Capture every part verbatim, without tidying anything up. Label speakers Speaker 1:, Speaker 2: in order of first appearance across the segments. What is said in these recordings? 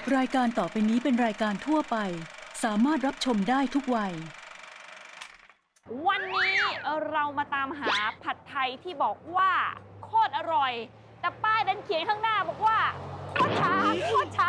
Speaker 1: รายการต่อไปนี้เป็นรายการทั่วไปสามารถรับชมได้ทุกวัย
Speaker 2: วันนี้เรามาตามหาผัดไทยที่บอกว่าโคตรอร่อยแต่ป้ายดันเขียนข้างหน้าบอกว่าโคตรช้าโคตรช้า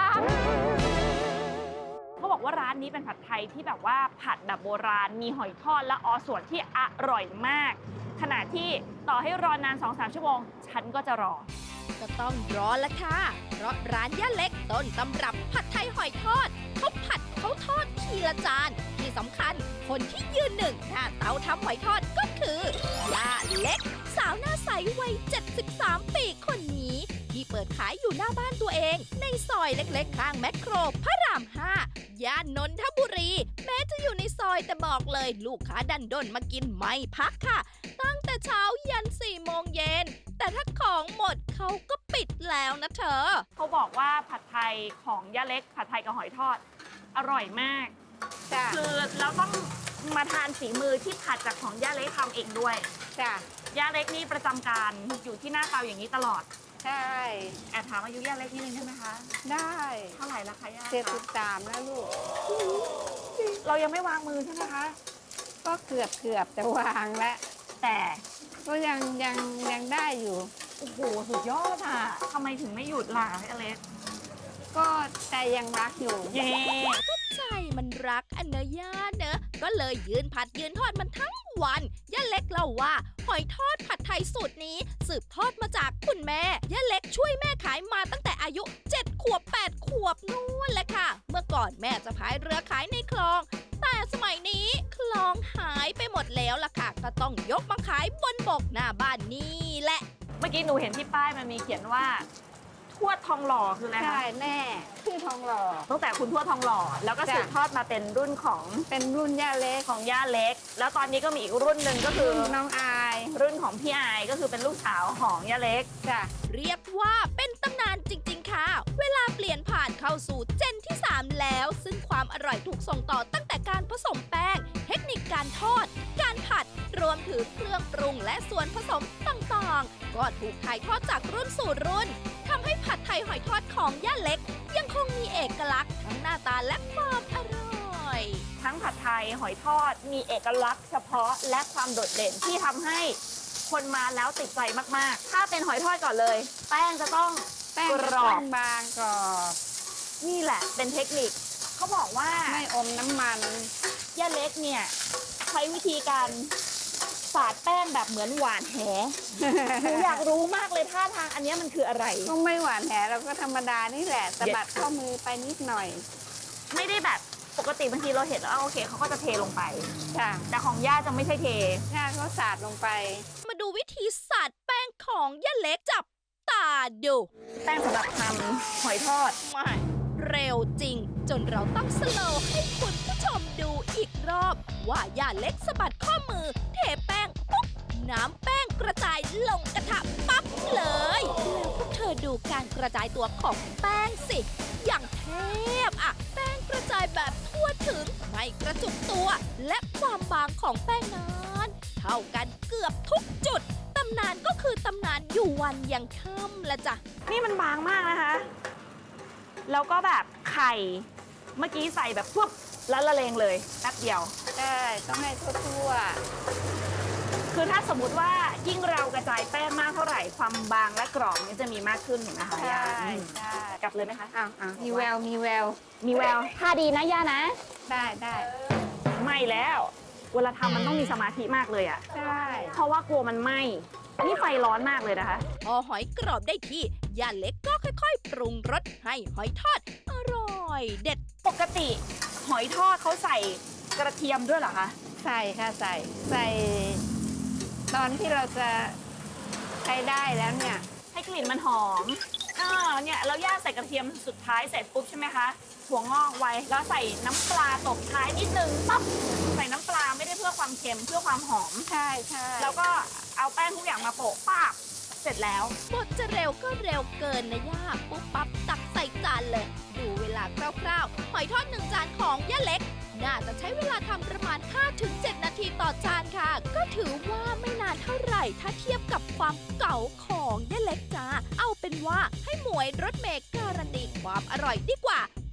Speaker 2: เขาบอกว่าร้านนี้เป็นผัดไทยที่แบบว่าผัดแบบโบราณมีหอยทอดและออส่วนที่อร่อยมากขณะที่ต่อให้รอนาน สองถึงสาม ชั่วโมงฉันก็จะรอ
Speaker 3: ก็ต้องรอละค่ะเพราะร้านย่าเล็กต้นตำรับผัดไทยหอยทอดเขาผัดเขาทอดทีละจานที่สำคัญคนที่ยืนหนึ่งหน้าเตาทำหอยทอดก็คือย่าเล็กสาวหน้าใสวัยเจ็ดสิบสามปีคนนี้ที่เปิดขายอยู่หน้าบ้านตัวเองในซอยเล็กๆข้างแมคโครพระรามห้าย่านนนทบุรีแม้จะอยู่ในซอยแต่บอกเลยลูกค้าดันด้นมากินไม่พักค่ะตั้งแต่เช้ายันสี่โมงเย็นแต่ถ้าของหมดเขาก็ปิดแล้วนะเธอ
Speaker 2: เขาบอกว่าผัดไทยของย่าเล็กผัดไทยกับหอยทอดอร่อยมากคือเราต้องมาทานฝีมือที่ผัดจากของย่าเล็กทำเองด้วย
Speaker 4: จ้ะ
Speaker 2: ย่าเล็กนี่ประจำการอยู่ที่หน้าเตาอย่างนี้ตลอด
Speaker 4: ใช่
Speaker 2: แอบถามอายุย่าเล็กนิดนึงได้ไหมคะ
Speaker 4: ได้
Speaker 2: เท่าไหร่ละคะย่า
Speaker 4: เจ็ดสิบสามแล้วลูก
Speaker 2: เรายังไม่วางมือใช่ไหมคะ
Speaker 4: ก็เกือบเกือบจะวางแล้ว
Speaker 2: แต่
Speaker 4: ก็ยังยังยังได้อยู่
Speaker 2: โอ้โหสุดยอดอ่ะทำไมถึงไม่หยุดล่ะย่าเล็ก
Speaker 4: ก็ใจยังรักอยู่
Speaker 2: เย้
Speaker 3: ก็ใจมันรักอันเนย่าเนอะก็เลยยืนผัดยืนทอดมันทั้งวันย่าเล็กเล่าว่าหอยทอดผัดไทยสูตรนี้สืบทอดมาจากคุณแม่ย่าเล็กช่วยแม่ขายมาตั้งแต่อายุเจ็ดขวบแปดขวบนู่นแหละค่ะเมื่อก่อนแม่จะพายเรือขายในคลองแต่สมัยนี้คลองหายไปหมดแล้วล่ะค่ะก็ต้องยกมาขายบนบกหน้าบ้านนี่แหละ
Speaker 2: เมื่อกี้หนูเห็นที่ป้ายมันมีเขียนว่าทวดทองหล่อคืออะไรคะ
Speaker 4: ใช่แม่ชื่อทองหล่อ
Speaker 2: ตั้งแต่คุณทวดทองหล่อแล้วก็สืบทอดมาเป็นรุ่นของ
Speaker 4: เป็นรุ่นย่าเล็ก
Speaker 2: ของย่าเล็กแล้วตอนนี้ก็มีอีกรุ่นหนึ่งก็คือ
Speaker 4: น้องอาย
Speaker 2: รุ่นของพี่อายก็คือเป็นลูกสาวของย่าเล็ก
Speaker 4: จ้ะ
Speaker 3: เรียกว่าเป็นตำนานจริงๆค่ะเวลาเปลี่ยนผ่านเข้าสู่เจนที่สามแล้วซึ่งความอร่อยถูกส่งต่อตั้งแต่การผสมแป้งเทคนิคการทอดการผัดรวมถึงเครื่องปรุงและส่วนผสมต่างๆก็ถูกถ่ายทอดจากรุ่นสู่รุ่นทำให้ผัดไทยหอยทอดของย่าเล็กยังคงมีเอกลักษณ์ทั้งหน้าตาและความอร่อย
Speaker 2: ทั้งผัดไทยหอยทอดมีเอกลักษณ์เฉพาะและความโดดเด่นที่ทำให้คนมาแล้วติดใจมากๆถ้าเป็นหอยทอดก่อนเลยแป้งจะต้อง
Speaker 4: แป้งกรอบบางกรอบ
Speaker 2: นี่แหละเป็นเทคนิคเขาบอกว่า
Speaker 4: ไม่อมน้ำมัน
Speaker 2: ย่าเล็กเนี่ยใช้วิธีการสาดแป้งแบบเหมือนหวานแหหนูอยากรู้มากเลยท่าทางอันนี้มันคืออะไร
Speaker 4: ก็ไม่หวานแหเราก็ธรรมดานี่แหละสะบัดข้อมือไปนิดหน่อย
Speaker 2: ไม่ได้แบบปกติบางทีเราเห็นแล้วโอเคเขาก็จะเทลงไป
Speaker 4: ค่ะ
Speaker 2: แต่ของย่าจะไม่ใช่เท
Speaker 4: ย่าก็สาดลงไป
Speaker 3: มาดูวิธีสาดแป้งของย่าเล็กจับตาดู
Speaker 2: แป้งสำหรับทำหอยทอด
Speaker 3: ไม่เร็วจริงจนเราต้องสโลว์ให้คุณผู้ชมดูอีกรอบว่าย่าเล็กสะบัดข้อมือเทแป้งปุ๊บน้ำแป้งกระจายลงกระทะปั๊บเลยแล้วพวกเธอดูการกระจายตัวของแป้งสิอย่างเทพอะแป้งกระจายแบบทั่วถึงไม่กระจุกตัวและความบางของแป้งนั้นเท่ากันเกือบทุกจุดตำนานก็คือตำนานอยู่วันยังค่ำละจ้ะ
Speaker 2: นี่มันบางมากนะคะแล้วก็แบบไข่เมื่อกี้ใส่แบบปุ๊บแล้วละเลงเลยแป๊บเดียว
Speaker 4: ใช่ต้องให้ทั่ว
Speaker 2: ๆคือถ้าสมมุติว่ายิ่งเรากระจายแป้งมากเท่าไหร่ความบางและกรอบนี้จะมีมากขึ้นเห็นไหมคะ
Speaker 4: ใช่ใช่
Speaker 2: กลับเลยไหมคะ
Speaker 4: อ้าวอ้าวมีแววมีแวว
Speaker 2: มีแววท่าดีนะย่านะ
Speaker 4: ได้ได้
Speaker 2: ไม่แล้วเวลาทำมันต้องมีสมาธิมากเลยอ่ะ
Speaker 4: ใช่
Speaker 2: เพราะว่ากลัวมันไหม้นี่ไฟร้อนมากเลยนะคะ
Speaker 3: พอหอยกรอบได้ที่ย่าเล็กก็ค่อยๆปรุงรสให้หอยทอดอร่อยเด็ด
Speaker 2: ปกติหอยทอดเขาใส่กระเทียมด้วยเหรอคะ
Speaker 4: ใส่ค่ะใส่ใส่ตอนที่เราจะใช้ได้แล้วเนี่ย
Speaker 2: ให้กลิ่นมันหอมอ่าเนี่ยเราย่างใส่กระเทียมสุดท้ายเสร็จปุ๊บใช่ไหมคะถั่วงอกไว้แล้วใส่น้ำปลาตบท้ายนิดนึงปั๊บใส่น้ำปลาไม่ได้เพื่อความเค็มเพื่อความหอม
Speaker 4: ใช่ใช่
Speaker 2: แล้วก็เอาแป้งทุกอย่างมาโปะป้าบเสร็จแล้ว
Speaker 3: บดจะเร็วก็เร็วเกินนะย่าปุ๊บปั๊บตักใส่จานเลยดูเวลาคร่าวๆหอยทอดหนึ่งจานของย่าเล็กน่าจะใช้เวลาทำประมาณ ห้าถึงเจ็ด นาทีต่อจานค่ะก็ถือว่าไม่นานเท่าไหร่ถ้าเทียบกับความเก่าของย่าเล็กจ้าเอาเป็นว่าให้หมวยรถเมล์การันตีความอร่อยดีกว่า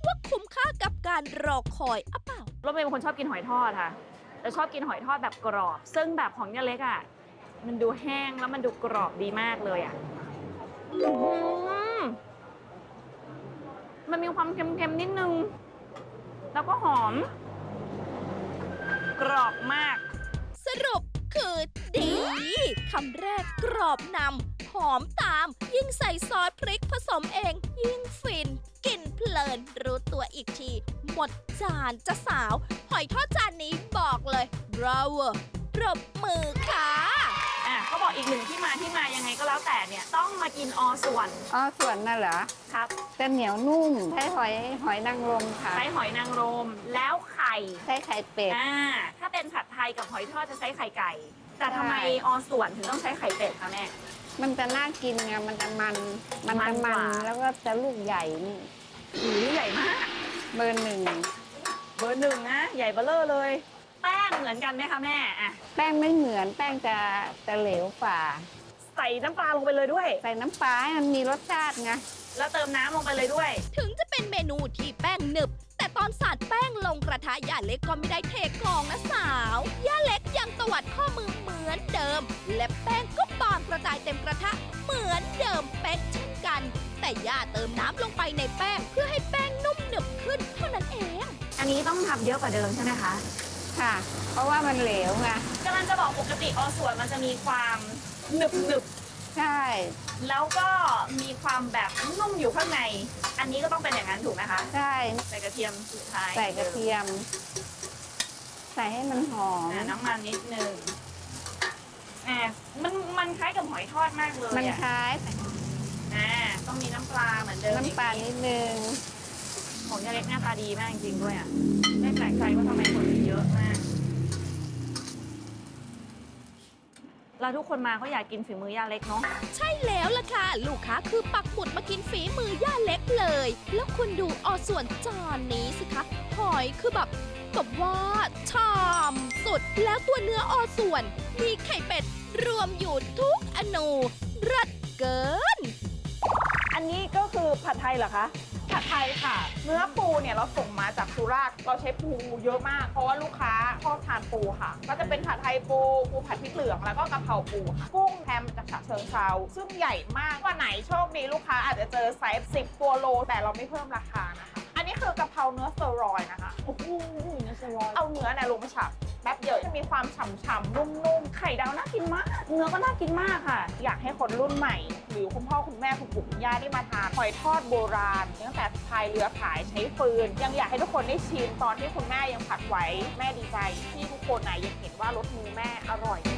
Speaker 3: ว่าคุ้มค่ากับการรอคอยอะเปล่า
Speaker 2: รถเมย์เป็นคนชอบกินหอยทอดค่ะแต่ชอบกินหอยทอดแบบกรอบ ซึ่งแบบของย่าเล็กอ่ะมันดูแห้งแล้วมันดูกรอบดีมากเลยอ่ะอื้อหือมันมีความเค็มๆนิดนึงแล้วก็หอม กรอบมาก
Speaker 3: สรุปคือดีคำแรกกรอบนำหอมตาม ยิ่งใส่ซอสพริกผสมเอง ยิ่งฟิน กินเพลิน รู้ตัวอีกที หมดจานจะสาว หอยทอดจานนี้บอกเลย bravo ปรบมือค่ะ
Speaker 2: อ่ะเขาบอกอีกหนึ่งที่มาที่มายังไงก็แล้วแต่เนี่ยต้องมากินอส่วน
Speaker 4: อ๋อส่วนน่ะเหรอ
Speaker 2: ครับ
Speaker 4: จะเหนียวนุ่มใช้หอยหอยนางรมค่ะ
Speaker 2: ใช้หอยนางรมแล้วไข่
Speaker 4: ใช้ไข่เป็ด
Speaker 2: อ่าถ้าเป็นผัดไทยกับหอยทอดจะใช้ไข่ไก่ แต่ทำไม
Speaker 4: ใช่
Speaker 2: อส่วนถึงต้องใช้ไข่เป็ดคะแม่
Speaker 4: มันจะน่ากินไงมันจะมันมัน
Speaker 2: มัน
Speaker 4: จะ
Speaker 2: ก
Speaker 4: มัน
Speaker 2: ว่า
Speaker 4: แล้วก็จะลูกใหญ่นี่
Speaker 2: หูใหญ่มาก
Speaker 4: เบอร์หนึ่ง
Speaker 2: เบอร์หนึ่งนะใหญ่เบ้อเร่อเลย แป้งเหมือนกันไหมคะแม่อ่ะ
Speaker 4: แป้งไม่เหมือนแป้งจะจะเหลวฝ่า
Speaker 2: ใส่น้ำปลาลงไปเลยด้วย
Speaker 4: ใส่น้ำปลาให้มันมีรสชาติไง
Speaker 2: แล้วเติมน้ำลงไปเลยด้วย
Speaker 3: ถึงจะเป็นเมนูที่แป้งหนึบ แต่ตอนสาดแป้งลงกระทะย่าเล็กก็ไม่ได้เทกองนะสาวย่าเล็กยังตวัดข้อมือเหมือนเดิม และแป้งก็บานกระจายเต็มกระทะเหมือนเดิมเป๊ะเช่นกัน แต่ย่าเติมน้ำลงไปในแป้งเพื่อให้แป้งนุ่มหนึบขึ้นเท่านั้นเอง
Speaker 2: อันนี้ต้องทำเยอะกว่าเดิมใช่ไหมคะ
Speaker 4: ค่ะ เพราะว่ามันเหลวไง
Speaker 2: กำลังจะบอกปกติอส่วนมันจะมีความหนึบหนึบ
Speaker 4: ใช่
Speaker 2: ๆแล้วก็มีความแบบนุ่มอยู่ข้างใน อันนี้ก็ต้องเป็นอย่างนั้นถูกไหมคะ
Speaker 4: ใช่
Speaker 2: ใส่กระเทียมสุดท้าย
Speaker 4: ใส่กระเทียม ใส่ให้มันหอม
Speaker 2: อ่าน้ำมันนิดนึงอ่ามันมันคล้ายกับหอยทอดมากเลย
Speaker 4: มัน
Speaker 2: อ่ะ
Speaker 4: คล้าย
Speaker 2: อ่าต้องมีน้ำปลาเหมือนเดิม
Speaker 4: น้ำปลานิดนึง
Speaker 2: ของยาเล็กหน้าตาดีมากจริงๆด้วยอ่ะไม่แปลกใจว่าทำไมคนถึงเยอะมากแล้วทุกคนมาเขาอยากกินฝีมือยาเล็กเนาะ
Speaker 3: ใช่แล้วล่ะค่ะ ลูกค้าคือปักหมุดมากินฝีมือย่าเล็กเลย แล้วคุณดูออส่วนจานนี้สิคะ หอยคือแบบแบบว่าชามสุด แล้วตัวเนื้อออส่วน มีไข่เป็ด รวมอยู่ทุกอนูรัดเกิน
Speaker 5: อันนี้ก็คือผัดไทยเหรอคะ ผัดไทยค่ะ เนื้อปูเนี่ยเราส่งมาจากสุราษฎร์เราใช้ปูเยอะมาก เพราะว่าลูกค้าชอบทานปูค่ะ ก็จะเป็นผัดไทยปู ปูผัดพริกเหลือง แล้วก็กะเพราปูค่ะ กุ้งแฮมจากฉะเชิงเทราซึ่งใหญ่มาก วันไหนโชคดีลูกค้าอาจจะเจอไซส์สิบตัวโล แต่เราไม่เพิ่มราคานะคะ อันนี้คือกะเพราเนื้อสเตอรอยด์นะคะ โอ้โหเนื้อสเตอรอยด์เอาเนื้อเนี่ยลงไปฉับแป๊บเดียวจะมีความฉ่ำๆนุ่มๆ ไข่ดาวน่ากินมาก เนื้อก็น่ากินมากค่ะ อยากให้คนรุ่นใหม่ หรือคุณพ่อคุณแม่คุณปู่คุณย่าได้มาทานหอยทอดโบราณตั้งแต่พายเรือขายใช้ฟืน ยังอยากให้ทุกคนได้ชิมตอนที่คุณแม่ยังผัดไว้แม่ดีใจที่ทุกคนน่ะยังเห็นว่ารสมือแม่อร่อย